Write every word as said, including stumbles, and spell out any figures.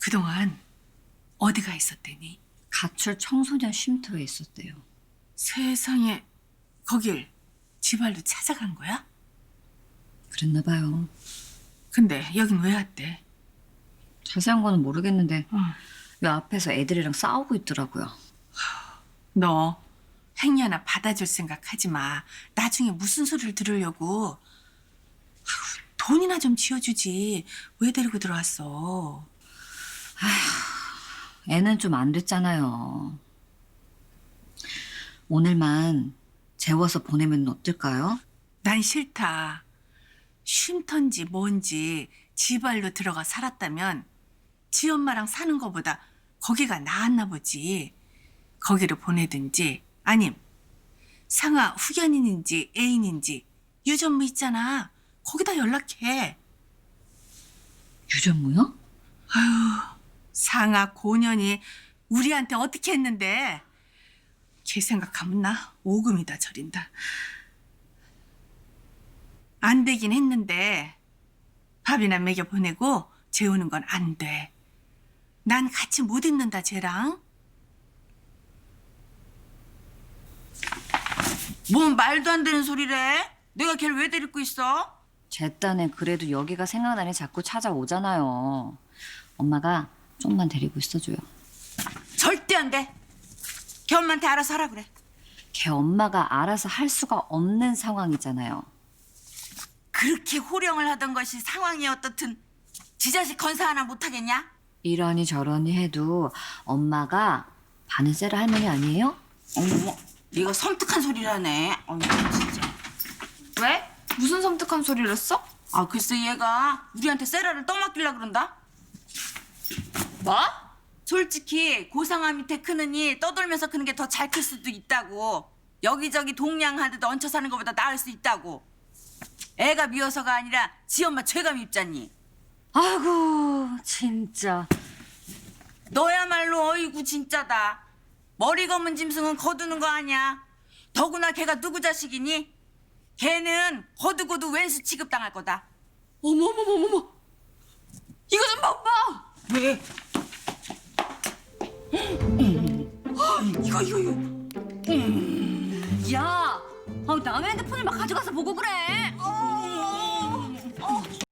그동안 어디가 있었대니? 가출 청소년 쉼터에 있었대요. 세상에, 거길 지발로 찾아간 거야? 그랬나 봐요. 근데 여긴 왜 왔대? 자세한 거는 모르겠는데 어. 요 앞에서 애들이랑 싸우고 있더라고요. 너 행여나 받아줄 생각하지 마. 나중에 무슨 소리를 들으려고. 아휴, 돈이나 좀 지어주지. 왜 데리고 들어왔어? 애는 좀 안 됐잖아요. 오늘만 재워서 보내면 어떨까요? 난 싫다. 쉼터인지 뭔지 지발로 들어가 살았다면 지 엄마랑 사는 거보다 거기가 나았나 보지. 거기로 보내든지 아님 상아 후견인인지 애인인지 유전무 있잖아. 거기다 연락해. 유전무요? 상아 고년이 우리한테 어떻게 했는데. 걔 생각하면 나 오금이다 저린다. 안 되긴 했는데 밥이나 먹여 보내고 재우는 건 안 돼. 난 같이 못 있는다 쟤랑. 뭔 말도 안 되는 소리래? 내가 걔를 왜 데리고 있어? 제 딴에 그래도 여기가 생각나니 자꾸 찾아오잖아요. 엄마가 좀만 데리고 있어줘요. 절대 안 돼. 걔 엄마한테 알아서 하라 그래. 걔 엄마가 알아서 할 수가 없는 상황이잖아요. 그렇게 호령을 하던 것이 상황이 어떻든 지 자식 건사 하나 못하겠냐? 이러니 저러니 해도 엄마가 바느세라 할머니 아니에요? 어머, 네가 섬뜩한 소리를 하네. 어머, 진짜. 왜? 무슨 섬뜩한 소리를 했어? 아, 글쎄 얘가 우리한테 세라를 떠맡기려 그런다. 뭐? 솔직히 고상아 밑에 크느니 떠돌면서 크는 게 더 잘 클 수도 있다고. 여기저기 동냥하듯 얹혀 사는 것보다 나을 수 있다고. 애가 미워서가 아니라 지 엄마 죄가 밉잖니. 아이고 진짜. 너야말로 어이구 진짜다. 머리 검은 짐승은 거두는 거 아니야. 더구나 걔가 누구 자식이니? 걔는 거두고도 왼수 취급당할 거다. 어머머머머머! 이거 좀 봐, 오빠! 왜? 이거, 이거, 이거. 야, 아, 남의 핸드폰을 막 가져가서 보고 그래. 어,